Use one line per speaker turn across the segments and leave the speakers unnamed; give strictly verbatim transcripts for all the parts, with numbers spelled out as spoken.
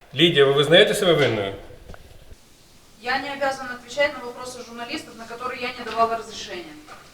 Лидия, вы вызнаете себя винною?
Я не обязана отвечать на вопросы журналистов, на которые я не давала разрешения.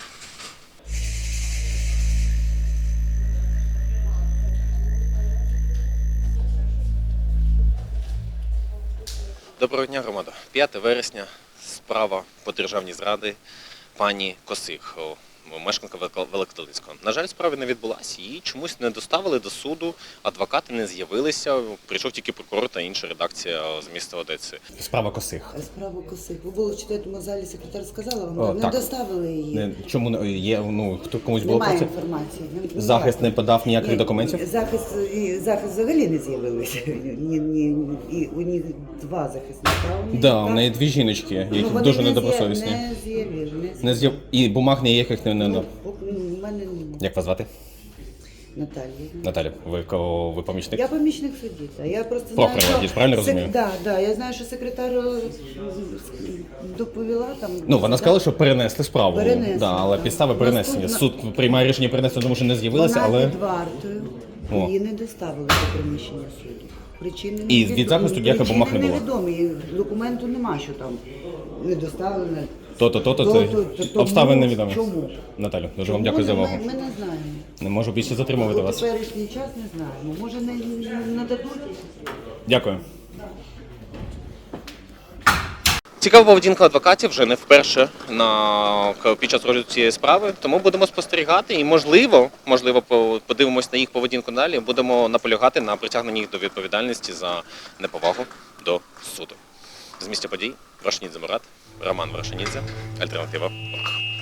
Доброго дня, громада. п'яте вересня. Справа по державній зраді пані Косих, мешканка Великодолинського. На жаль, справа не відбулася, її чомусь не доставили до суду, адвокати не з'явилися, прийшов тільки прокурор та інша редакція з міста Одеси.
Справа Косих.
Справа Косих. Ви були в четвертому залі, секретар сказала вам,
О,
не
так.
доставили її.
Не, чому не- є, ну, хто комусь було
Немає
про це?
інформації. Не-
Захист не подав ніяких
Ні,
документів?
Захист, і захист взагалі не з'явилися. Ні, ні, і у них два захисника. у них,
Да, у
так?
неї дві жіночки, які
Ну, вони
дуже
не
недобросовісні.
з'яв- Не з'явили.
Не з'яв... І бумаг ніяких не надав.
Ну, у мене немає.
Як вас звати?
Наталія.
Наталя, ви кого ви помічник?
Я помічник судді. та Я просто
Прохорова,
знаю,
я правильно розумію?
Да, да, я знаю, що секретар е, доповіла там.
Ну, вона сказала, що перенесли справу.
Перенесли,
Да, але
так.
підстави перенесення.
Наступна-
Суд приймає рішення перенести, тому що не з'явилися,
Вона
але...
під вартою,
О.
її не доставили до приміщення суду. Причини
І
невідомі.
від захисту ніяких бумаг не було?
Причини невідомі, документу нема, що там не доставлено.
То-то, то-то, це
То-то, то-
обставини
тому
невідомі.
Чому?
Наталю, дуже вам
Чому?
дякую за увагу.
Ми, ми не знаємо.
Не можу більше затримувати
У
вас.
теперішній час не знаємо. Може не, не дадуть?
Дякую.
Цікава поведінка адвокатів вже не вперше на, під час розгляду цієї справи, тому будемо спостерігати і, можливо, можливо, по- подивимось на їх поведінку далі, будемо наполягати на притягненні їх до відповідальності за неповагу до суду. З місця подій Вашанідзе Мурат, Роман Вашанідзе, Альтернатива.